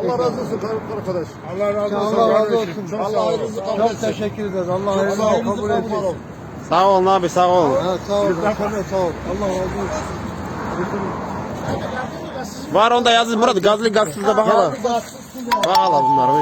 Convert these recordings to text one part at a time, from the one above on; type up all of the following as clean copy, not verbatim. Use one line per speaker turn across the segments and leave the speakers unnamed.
Allah razı olsun arkadaş.
Allah razı olsun.
Allah razı olsun.
Allah hayrınızı kabul
Çok
etsin.
teşekkür ederiz. Allah
Çok
hayrınızı
sağ olun.
kabul etsin.
Sağ olun abi, sağ olun.
Ha, sağ ol. Sağ ol. Allah razı olsun.
Var onda yazın Murat. Gazlı gazsızda bakalım. Bakalım bunlar.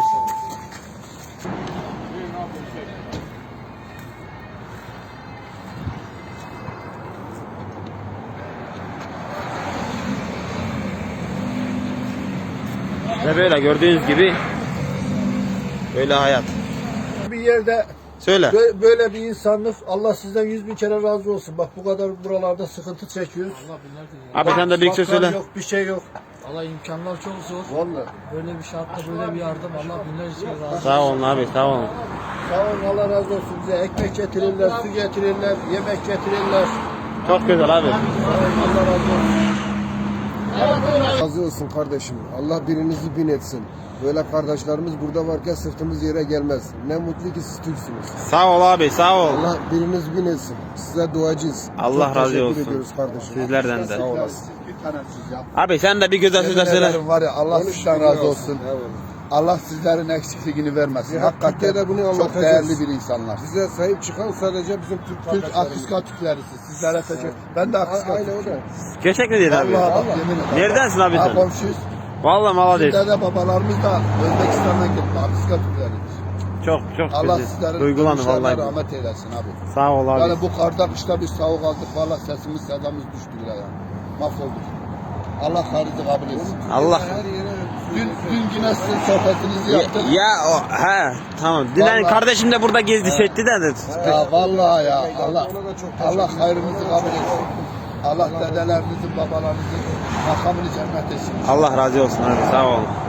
Ve böyle gördüğünüz gibi böyle hayat.
Bir yerde
Söyle.
böyle bir insanlık, Allah sizden 100.000 kere razı olsun. Bak bu kadar buralarda sıkıntı çekiyoruz.
Abi sen de bir şey
Bakkal
söyle.
yok, bir şey yok.
Allah imkanlar çok zor.
Vallahi.
Böyle bir şartta böyle bir yardım Allah binlerce razı olsun.
Sağ olun abi, sağ olun.
Sağ olun, Allah razı olsun. Bize ekmek getirirler, su getirirler, yemek getirirler.
Çok güzel abi.
Sağ olun, Allah razı olsun.
Razı olsun kardeşim. Allah birinizi bin etsin. Böyle kardeşlerimiz burada varken sırtımız yere gelmez. Ne mutlu ki siz Türksünüz.
Sağ ol abi, sağ ol.
Allah biriniz bin etsin. Size duacıyız.
Allah
Çok
razı
teşekkür
olsun.
ediyoruz kardeşim.
Sizlerden de.
Sağ olasın.
Abi sen de bir güzel sözler söyle.
Var ya, Allah sizden razı olsun. Allah sizlerin eksikliğini vermesin. Hakikaten
Türkiye'de bunu
çok
anlatacağız.
değerli bir insanlar.
Bize sahip çıkan sadece bizim Türk
Türk
kardeşlerimiz.
Akıska Türklerisi. Sizlere teşekkür. Ben de Akıska
Aynen o da.
Gerçek mi değil abi?
Vallahi bak, yemin ederim.
Neredensin abi
Ha,
sen?
komşuyuz.
Vallahi mala değil.
Dede babalarımız da Özbekistan'dan gitti. Akıska Türkleridir.
Çok
Allah
güzel.
sizlerin
Duygulandım
dönüşlerine
vallahi.
rahmet eylesin abi.
Sağ ol abi.
Yani bu karda kışta bir soğuk aldık. Valla sesimiz sedamız düştü bile yani. Mahvolduk. Allah hayrınızı kabul etsin.
Allah.
Dün yine sizin sohbetinizi yaptık.
Ya o he tamam. Dilan
Vallahi-
kardeşim de burada gezdi setti de.
Ya vallahi ya Allah hayrınızı kabul etsin. Allah dedelerinizin babalarınızın makamını cennet etsin.
Allah razı olsun abi, sağ ol.